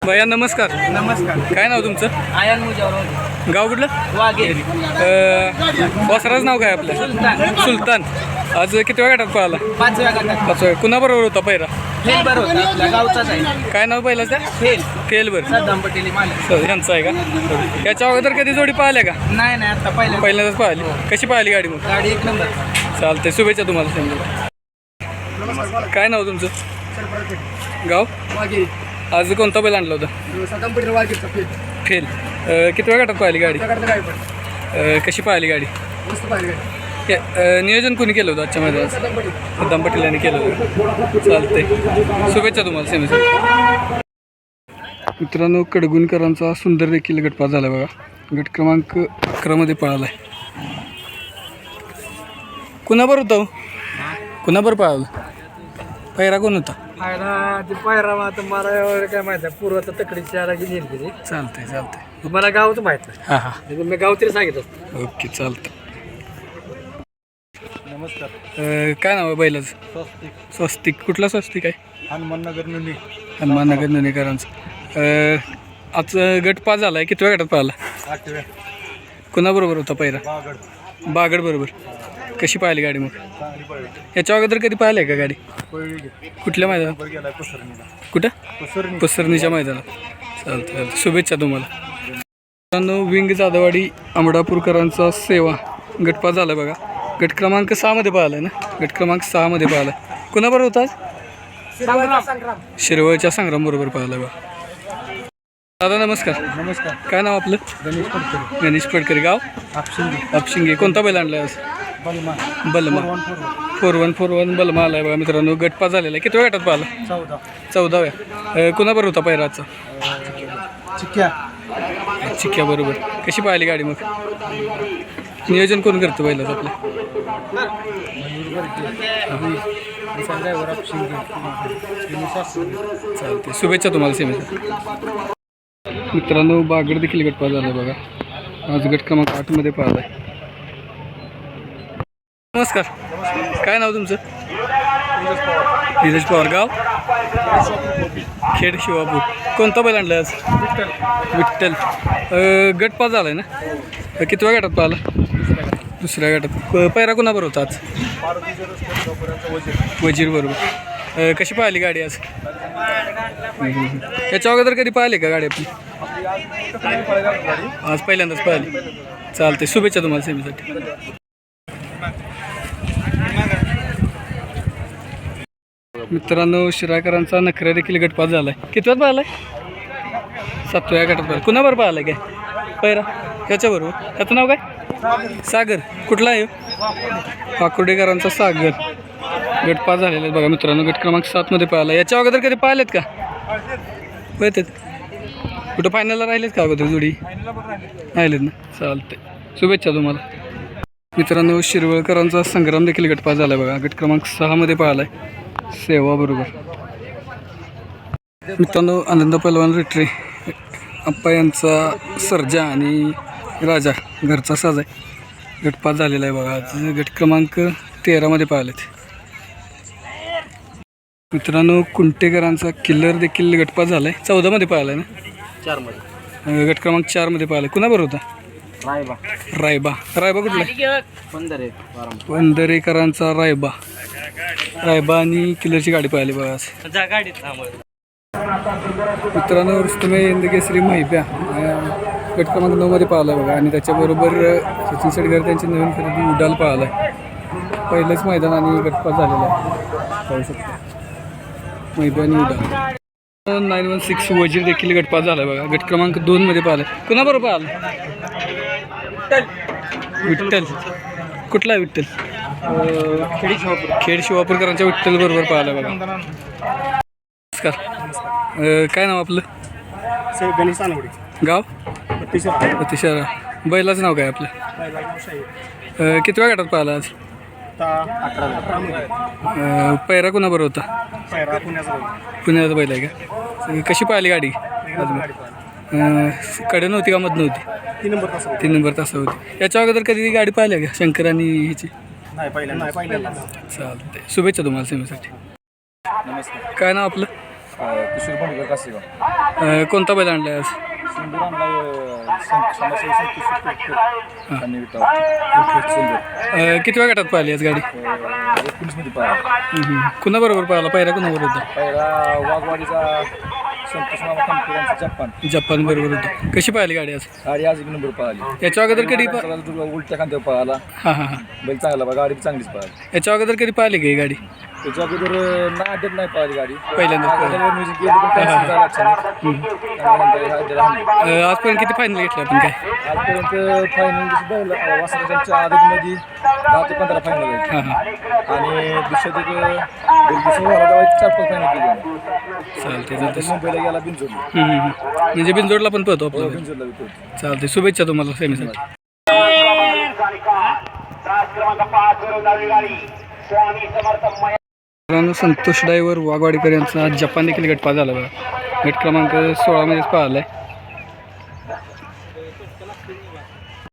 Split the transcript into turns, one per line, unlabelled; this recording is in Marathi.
भैया नमस्कार.
नमस्कार.
काय नाव तुमचं?
आयन मुजावर
गाव कुठलं?
वाघेरी.
वासराचं नाव काय आपलं? सुलतान. आज किती वेळ गटात पळाला?
5व्या गटात.
5 कुणाबरोबर होता पहिला?
फेल बरं होता आपल्या गावचाच आहे.
काय नाव पहिलं त्या?
फेल
फेल बर
सद्दाम पटेल मालक.
यांचं आहे का? याच्या अगोदर कधी जोडी पाहिल्या का?
नाही आता
पहिल्यांदाच पाहिली. कशी पाहिली गाडी मग?
गाडी एक नंबर.
चालते, शुभेच्छा तुम्हाला. समजा काय नाव तुमचं? गाव
वाघेरी.
आज कोणता बैल आणला होता?
सद्दाम पटेल वाघेरीचा फेल.
फेल. किती वेळ गटात पाहिली गाडी? कशी पाहिली गाडी?
मस्त पाहिली गाडी.
नियोजन कोणी केलं होतं आजच्या मैदानात?
सद्दाम पटेल.
सद्दाम पटेल यांनी केलं होतं. चालते, शुभेच्छा तुम्हाला सेमीसाठी. मित्रांनो, कडगुणकरांचा सुंदर देखील गटपास झाला बघा. गट क्रमांक 11 मध्ये पळाला आहे. कुणाबर होता हो? कुणाबर पळाला? पहिरा कोण होता?
पायरा आता मला एवढं काय माहिती आहे. पूर्वाचा तकडी शहरा गेली गेली.
चालतंय.
मला गावच माहित नाही.
हां हां,
मी गाव तरी सांगितलं.
ओके, चालतं.
नमस्कार.
काय नाव आहे बैलाचं?
स्वस्तिक.
स्वस्तिक. कुठला स्वस्तिक आहे?
हनुमाननगर नुनी.
हनुमाननगर नुनेकरांचं. आज गट पास झाला आहे. किती वेळ गटात पाहिला?
8व्या.
कुणाबरोबर होता पहिला?
बागड.
बागड बरोबर. कशी पाहिली गाडी मग?
चांगली पळली.
याच्या अगोदर कधी पाहिलं आहे का गाडी?
पळली.
कुठल्या मैदानात?
नंबर गेला कुसरणीला.
कुठं?
कुसरणी.
पसरणीच्या मैदानात. चालतं. शुभेच्छा तुम्हाला. मित्रांनो, विंग जाधववाडी आंबडापूरकरांचा सेवा गटपास झाला बघा. गट क्रमांक 6 मध्ये पाहिला आहे ना? गट क्रमांक 6 मध्ये पाहिला. कुणाबरोबर होता आज? शिरवळच्या संग्राम बरोबर पाहिला बघा. दादा नमस्कार.
नमस्कार.
काय नाव आपलं?
गणेश पडकर.
गणेश पडकर. गाव?
आपशिंगी.
अपशिंगे. कोणता बैल आणला आज?
बलमा.
बलमा. 4141 बलमा आला आहे बघा मित्रांनो. गटपास झालेला आहे. किती वेळ गटात पाहिला?
14.
14व्या. कुणाबरोबर होता पहिराचा?
चिक्क्या.
चिक्क्या बरोबर. कशी पाहिली गाडी मग? नियोजन कोण करतं पहिलं आपलं? चालते, शुभेच्छा तुम्हाला सेमीसाठी. मित्रांनो, बागड देखील गटपास झाला बघा. आज गट क्रमांक 8 मध्ये पाहिला आहे. नमस्कार. काय नाव तुमचं? धीरज पवार. गाव? खेड शिवापूर. कोणता बैल आणला आज? विठ्ठल. गटपास झाला आहे ना? किती वेळ गटात पाहिला? दुसऱ्या गटात. पैरा कोणाबरोबर होता आज? वजीर बरोबर. कशी पाहिली गाडी आज? याच्या अगोदर कधी पाहिली का गाडी आपली? आज पहिल्यांदाच पाहिली. चालते, शुभेच्छा तुम्हाला सेमीसाठी. मित्रांनो, शिराकरांचा नखरा देखील गटपास झाला आहे. कितव्यात पाहिला आहे? 7व्या गटात पाहिला. कुणाबरोबर पाहिला आहे काय पैरा? ह्याच्याबरोबर. ह्याचं नाव काय? सागर. कुठला आहे? पाकुर्डेकरांचा सागर. गटपास झालेला आहे बघा मित्रांनो. गट क्रमांक 7 मध्ये पाहिला. याच्या अगोदर कधी पाहिलेत का? पाहतात. कुठं फायनलला राहिलेत का अगोदर जोडी? राहिलेत ना? चालते, शुभेच्छा तुम्हाला. मित्रांनो, शिरवळकरांचा संग्राम देखील गटपास झाला आहे बघा. गट क्रमांक 6 मध्ये पाहिला आहे सेवा बरोबर. मित्रांनो, आनंद पहलवान रिट्रे अप्पा यांचा सर्जा आणि राजा घरचा साज आहे. गटपास झालेला आहे बघा. आज गट क्रमांक 13 मध्ये पाहिलेत. मित्रांनो, कुंटेकरांचा किल्लर देखील गटपास झाला आहे. 14 मध्ये पाहिला आहे ना?
4 मध्ये.
गट क्रमांक 4 मध्ये पाहिला. कुणाबरोबर होता? रायबा. रायबा कुठला? पंधरेकरांचा रायबा आणि किल्लरची गाडी पाहिली बघा आज. मित्रांनो, रुस्तमे इंदकेसरी महिब्या गट क्रमांक 9 मध्ये पाहिला बघा. आणि त्याच्याबरोबर सचिन शेटकर त्यांची नवीन खरेदी उडाल पाहिला आहे. पहिलंच मैदान आणि गटपास झालेला आहे. पाहू शकतो महिब्या आणि उडाल. 916 वजीर देखील गटपास झाला बघा. गट क्रमांक 2 मध्ये पाहिला. कुणाबरोबर पाहिला? विठ्ठल. कुठला आहे विठ्ठल? खेड शिवापूरकरांच्या विठ्ठल बरोबर पाहिला बघा. नमस्कार. काय नाव आपलं?
गणेश सानवडे.
गाव? अतिशय. बैलाचं नाव काय आपलं? किती वेळ गटात पाहिला आज?
18.
पैरा कोणाबरोबर होता? पुण्याचा बैल आहे का? कशी पाहिली गाडी? कडे नव्हती का मध नव्हती? 3 नंबर तास होती. याच्या अगोदर कधी गाडी पाहिली का शंकर आणि ह्याची? चालते, शुभेच्छा तुम्हाला सेमीसाठी.
नमस्कार.
काय नाव आपलं?
किशोर भांडकर कासेगाव.
कोणता बैल आणला आज? किती वेळ गटात पाहिली आज गाडी? कुणाबरोबर पाहिला? पहिला कुणाबरोबर होता?
वाघवाडीचा संतोष मामा कंपनीचा
जपान बरोबर होतं. कशी पाहिली गाडी आज?
गाडी आज एक नंबर पळाली.
याच्या अगोदर कधी
उलट्या खांद्यावर पळाला.
हां हां हां.
बैल चांगला बा, गाडी चांगलीच पळाली.
याच्या अगोदर कधी पाहिली का ही गाडी?
त्याच्या अगोदर नाही पळाली गाडी.
पहिल्यांदाच पाहिली.
म्युझिक केलं पण cancel झालं अचानक.
आजपर्यंत किती फायनल घेतले आपण काय?
आजपर्यंत फायनल वासराच्या आदतमध्ये 10 ते 15 फायनल आहेत.
हां हां.
आणि दुसऱ्या 4-5 फायनल केली.
चालते
आता
चालते.
मुंबईला गेला बिनजोडला.
म्हणजे बिनजोडला पण पळतो आपला बैल.
बिनजोडला विकतो.
चालते. शुभेच्छा तुम्हाला सेमीसाठी. संतोष ड्रायव्हर वाघवाडीकर यांचा जपान देखील गटपास झाला बघा. गट क्रमांक 16 मध्येच पाहिला आहे.